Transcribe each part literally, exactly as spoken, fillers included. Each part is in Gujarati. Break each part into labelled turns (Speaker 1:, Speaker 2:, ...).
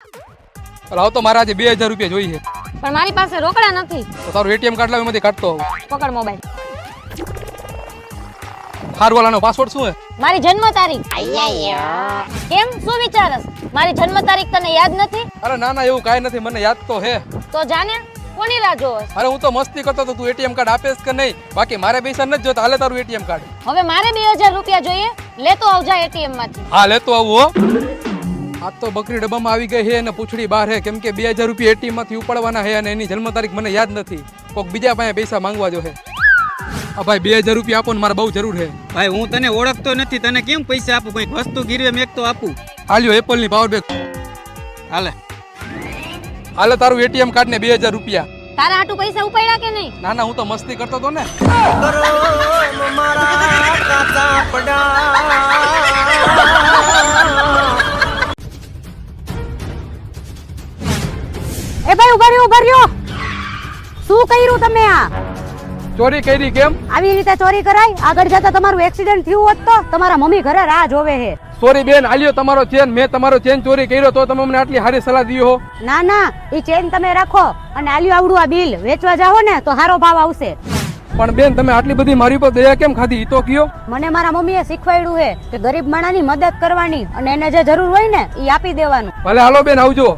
Speaker 1: હાલ તો મારા આજે બે હજાર રૂપિયા જોઈએ.
Speaker 2: પણ મારી પાસે રોકડા નથી.
Speaker 1: તો તારું એટીએમ કાર્ડ લાવ, એમાંથી કાઢતો આવું.
Speaker 2: પકડ મોબાઈલ.
Speaker 1: હારવાલાનો પાસવર્ડ શું હે?
Speaker 2: મારી જન્મ તારીખ. કેમ શું વિચારસ? મારી જન્મ તારીખ તને યાદ નથી?
Speaker 1: અરે ના ના, એવું કાંઈ નથી, મને યાદ તો હે.
Speaker 2: તો જાને કોની રાહ જોવસ?
Speaker 1: અરે હું તો મસ્તી કરતો તો, તું એટીએમ કાર્ડ આપેસ કે નહીં? બાકી મારે પૈસા નથી જોતા. હાલે તારું એટીએમ કાર્ડ.
Speaker 2: હવે મારે બે હજાર રૂપિયા જોઈએ. લેતો આવજા એટીએમ માંથી.
Speaker 1: હા લેતો આવું હો. આ તો બકરી ડબ્બામાં આવી ગઈ હે અને પૂછડી બહાર હે, કેમ કે બે હજાર રૂપિયા એટીએમ માંથી ઉપાડવાના હે અને એની જન્મ તારીખ મને યાદ નથી. કોક બીજા પાસે પૈસા માંગવા જો હે. હા ભાઈ, બે હજાર રૂપિયા આપો ને, મારે બહુ જરૂર છે.
Speaker 3: ભાઈ હું તને ઓળખતો નથી, તને કેમ પૈસા આપું? કઈક વસ્તુ ગીરવે મેક તો આપું.
Speaker 1: હાલ્યો એપલ ની પાવર બેંક.
Speaker 3: હાલે
Speaker 1: હાલે તારું એટીએમ કાર્ડ ને બે હજાર રૂપિયા.
Speaker 2: તારા હાટુ પૈસા ઉપાડ્યા કે નહીં?
Speaker 1: ના ના, હું તો મસ્તી કરતો તો ને.
Speaker 4: એ ભાઈ ઉભા રહ્યો ઉભા રહ્યો. શું કર્યું તમે? આ
Speaker 1: ચોરી કરી કેમ?
Speaker 4: આવી રીતે ચોરી કરાય? આગળ જતા તમારું એક્સિડન્ટ થયું હોત તો તમારા મમ્મી ઘરે રાહ જોવે છે.
Speaker 1: સોરી બેન, આલ્યો તમારો ચેન. મેં તમારો ચેન ચોરી કર્યો તો તમે મને આટલી સારી સલાહ દી હો.
Speaker 4: ના ના, ઈ ચેન તમે રાખો અને આલ્યું આવડું આ બિલ વેચવા જાઓ ને તો સારો ભાવ આવશે.
Speaker 1: પણ બેન, તમે આટલી બધી મારી પર દયા કેમ ખાધી? ઈ તો કયો.
Speaker 4: મને મારા મમ્મીએ શીખવાડ્યું છે કે ગરીબ માણસની મદદ કરવાની અને એને જે જરૂર હોય ને ઈ આપી દેવાનું.
Speaker 1: ભલે હાલો બેન, આવજો.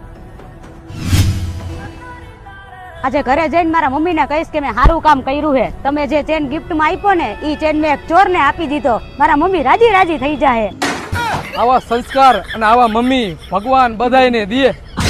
Speaker 4: આજે ઘરે જઈને મારા મમ્મીને કહીશ કે મેં સારું કામ કર્યું છે. તમે જે ચેન ગિફ્ટમાં આપ્યો ને ઈ ચેન મેં એક ચોરને આપી દીધો. મારા મમ્મી રાજી રાજી થઈ જાય.
Speaker 1: આવા સંસ્કાર અને આવા મમ્મી ભગવાન બધાયને દે.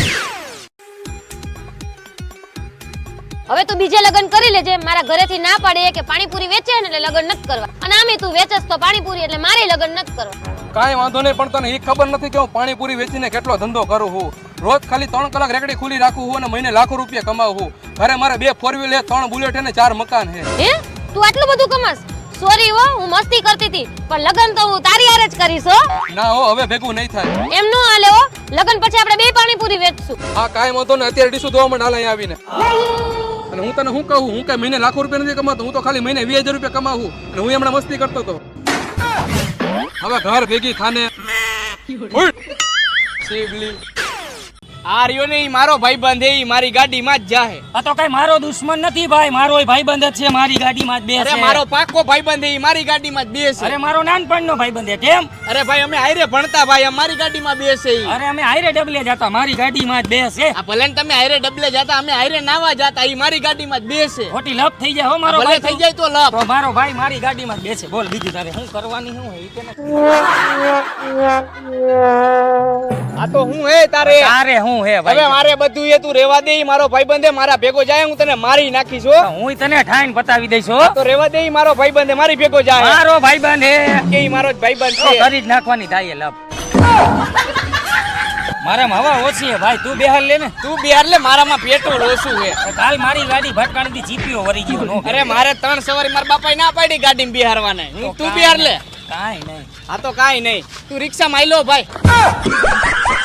Speaker 2: હવે તું બીજે લગ્ન કરી લેજે. મારા ઘરેથી ના પાડે કે પાણીપુરી વેચે ને એટલે લગ્ન નથી કરવા. અને આમે તું વેચસ તો પાણીપુરી એટલે મારે લગ્ન નથી કરવા.
Speaker 1: કાંઈ વાંધો નહીં, પણ તને એ ખબર નથી કે હું પાણીપુરી વેચીને કેટલો ધંધો કરું છું. રોજ ખાલી ત્રણ કલાક રેકડી ખુલ્લી રાખું છું અને મહિને લાખો રૂપિયા કમાવું છું. ઘરે મારે બે ફોર વ્હીલ હે, ત્રણ બુલેટ હે ને ચાર મકાન હે.
Speaker 2: હે તું આટલું બધું કમાસ? સોરી હો, હું મસ્તી કરતી હતી, પણ લગ્ન તો હું તારી હારે જ કરીશ હો.
Speaker 1: ના હો, હવે ભેગું નહીં થાય.
Speaker 2: એમ નો હાલે હો. લગ્ન પછી આપણે બે પાણીપુરી વેચશું.
Speaker 1: હા કાંઈ વાંધો નહીં, અત્યારે ડીશું ધોવા માંડ હાલ અહીંયા આવીને. અને હું તને શું કહું, હું કઈ મહિને લાખો રૂપિયા નથી કમાતો, હું તો ખાલી મહિને વીસ હજાર રૂપિયા કમાવું. અને હું હમણાં મસ્તી કરતો હતો. હવે ઘર ભેગી ખાને શિવલી.
Speaker 3: આ રહ્યો ને ઈ મારો ભાઈબંધ હે, ઈ મારી ગાડીમાં જ જાહે.
Speaker 5: આ તો કઈ મારો દુશ્મન નથી ભાઈ, મારો ભાઈબંધ જ છે. મારી ગાડીમાં જ બેસે.
Speaker 3: અરે મારો પાક્કો ભાઈબંધ હે, ઈ મારી ગાડીમાં જ બેસે.
Speaker 5: અરે મારો નાનપણનો ભાઈબંધ છે. કેમ?
Speaker 3: અરે ભાઈ અમે હાઈરે ભણતા ભાઈ, અમારી ગાડીમાં બેસે ઈ.
Speaker 5: અરે અમે હાઈરે ડબલે જતા, મારી ગાડીમાં જ બેસે.
Speaker 3: આ ભલે ને તમે હાઈરે ડબલે જતા, અમે હાઈરે નાવા જતા, ઈ મારી ગાડીમાં જ બેસે.
Speaker 5: ખોટી લપ થઈ જાય હો મારો
Speaker 3: ભલે
Speaker 5: ભાઈ.
Speaker 3: થઈ જાય તો લપ.
Speaker 5: તો મારો ભાઈ મારી ગાડીમાં જ બેસે. બોલ બીજું તારે શું કરવાની શું હે? કે
Speaker 3: આ તો હું હે તારે
Speaker 5: તારે શું હે
Speaker 3: હવે
Speaker 5: ભાઈ?
Speaker 3: મારે બધું એ તું રેવા દે, ઈ મારો ભાઈબંધ હે, મારા ભેગો જાય હું તને મારી નાખીશ હો.
Speaker 5: હું તને ઠાઈને બતાવી દઈશ હો.
Speaker 3: તો રેવા દે, ઈ મારો ભાઈબંધ હે, મારી ભેગો જાય.
Speaker 5: મારો ભાઈબંધ હે
Speaker 3: કે ઈ મારો જ ભાઈબંધ
Speaker 5: તો
Speaker 3: છે.
Speaker 5: કરી જ નાખવાની થાય લપ. મારામાં હવા ઓછી હે ભાઈ, તું બેહાર લે ને.
Speaker 3: તું બિહાર લે, મારામાં પેટ્રોલ ઓછું હે.
Speaker 5: કાલ મારી ગાડી ભટકાણી દી, જીપીઓ વરી ગયો નો.
Speaker 3: અરે મારે ત્રણ સવારી મારા બાપાએ ના પાડી ગાડીમાં બિહારવાને. હું તું બિહાર લે.
Speaker 5: કાઈ નહીં.
Speaker 3: આ તો કાઈ નહીં, તું રિક્ષામાં આઈ લો ભાઈ.